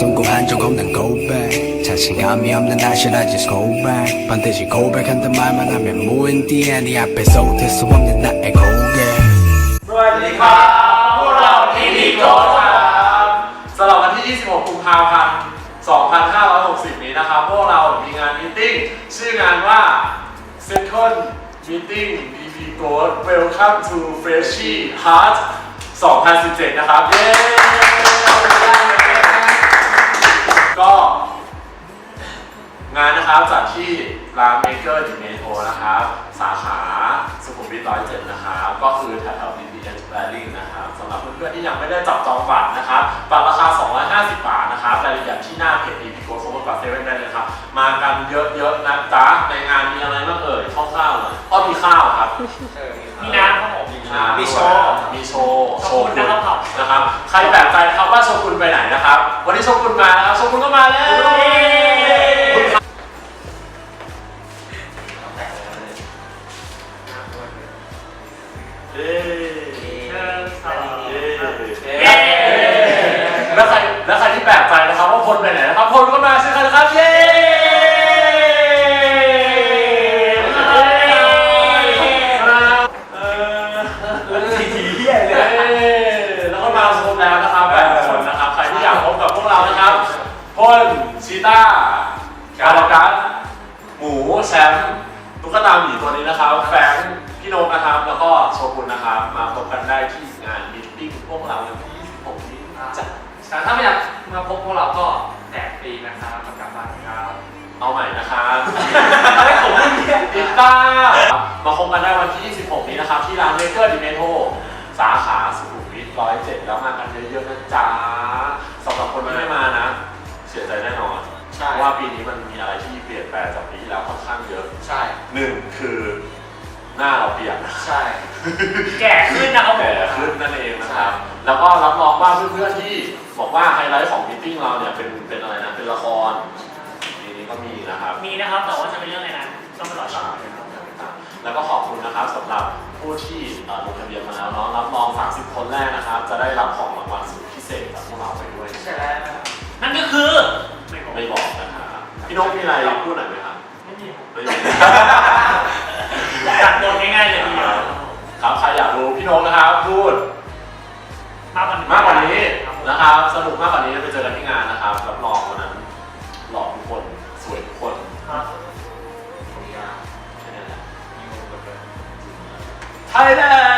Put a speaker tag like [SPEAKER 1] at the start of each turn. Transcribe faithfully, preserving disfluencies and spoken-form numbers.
[SPEAKER 1] 성공한 적 없는 고백 자신감이 없는 나 should I just go back 반드시 고백한단 말만 하면 무인 뒤에 네 앞에 쏟을 수 없는 나의 고개
[SPEAKER 2] สวัสดีครับพวกเราทีดีโกครับสำหรับวันที่ยี่สิบหกกุมภาพันธ์สองพันห้าร้อยหกสิบนี้นะครับพวกเรามีงานมีตติ้งชื่องานว่า Second Meeting ดี พี Gold Welcome to Freshie Heart สองพันสิบเจ็ดนะครับเย้ก็งานนะครับจัดที่ร้านเมเกอร์ดิเมโทนะครับสาขาสุขุมวิทร้อยเจ็ดนะครับก็คือแถวๆ บี ที เอส Building นะครับสำหรับเพื่อนๆที่ยังไม่ได้จับจองบัตรนะครับบัตรราคาสองร้อยห้าสิบบาทนะครับรายละเอียดที่หน้าเพจ ดี พี Gold โซนกว่าเซเว่นได้เลยครับมากันเยอะๆนะจ๊ะในงานมีอะไรบ้างเอ่ยคร่าวๆหน่อยก็มีข้าวครับ
[SPEAKER 3] มีน้ำครับผม
[SPEAKER 2] มีโชว์มีโชว์โชว์คุณนะครับใครแปลกใจครับว่าโชว์คุณไปไหนนะครับวันนี้โชว์คุณมาแล้วโชว์คุณก็มาแล้วแล้วใครแล้วใครที่แปลกใจนะครับว่าพลไปไหนนะครับพลก็มาสิครับนะครับเย้แล้วก็มาชมแล้วนะครับแปดคนนะครับใครที่อยากพบกับพวกเรานะครับพลชีต้าการ์กัสหมูแชมป์ตุ๊กตาหมีตัวนี้นะครับแฟงพี่นกนะครับแล้วก็โชกุนนะครับมาพบกันได้ที่งานมิทติ้งพวกเราในวันที่ยี่สิบหกนี้จ้ะ
[SPEAKER 3] แต่ถ้าไม่อยากมาพบพวกเราก็แจกฟรีนะครับประกาศบัตรครับ
[SPEAKER 2] เอาใหม่นะครับให้ผมติดตามาพบกันได้วันที่ยี่สิบหกนี้นะครับที่ร้านเมเกอร์ดิเมโทสาขาสุขุมวิทร้อยเจ็ดแล้วมากันเยอะๆนะจ๊ะสำหรับคนที่ไม่มานะเสียใจแน่นอนเพราะว่าปีนี้มันมีอะไรที่เปลี่ยนแปลงจากปีที่แล้วค่อนข้างเยอะ
[SPEAKER 3] ใช่
[SPEAKER 2] หนึ่งคือหน้าเราเปลี่ยน
[SPEAKER 3] ใช่แก่ขึ้นนะครับ
[SPEAKER 2] แก่ขึ้นนั่นเองนะครับแล้วก็รับรองว่าเพื่อนๆที่บอกว่าไฮไลท์ของมิทติ้งเราเนี่ยเป็นเป็นอะไรนะเป็นละครปีนี้ก็มีนะครับ
[SPEAKER 3] มีนะครับแต่ว่าจะเป็นเรื่องอะไรนะต้องไปรอชม
[SPEAKER 2] แล้วก็ขอบคุณนะครับสำหรับผู้ที่ลงทะเบียนมาแล้วเนาะรับรองสามสิบคนแรกนะครับจะได้รับของรางวัลสุดพิเศษจากพวกเราไปด้วย
[SPEAKER 3] ใช่แล้วนั่นก็คือ
[SPEAKER 2] ไม่บอกนะครับพี่นกมีอะไรพูดหน่อยไหมครับ
[SPEAKER 3] ไม่มี
[SPEAKER 2] ไม่มี
[SPEAKER 3] ตัดบทง่ายๆเลยทีเดียว
[SPEAKER 2] ครับใครอยากรู้พี่นกนะครับพูด
[SPEAKER 3] มากกว่านี้
[SPEAKER 2] มากกว่านี้นะครับสนุกมากกว่านี้ไปเจอกันที่งานนะครับรับรองวันนั้นหล่อทุกคนสวยทุกคนไทยแลนด์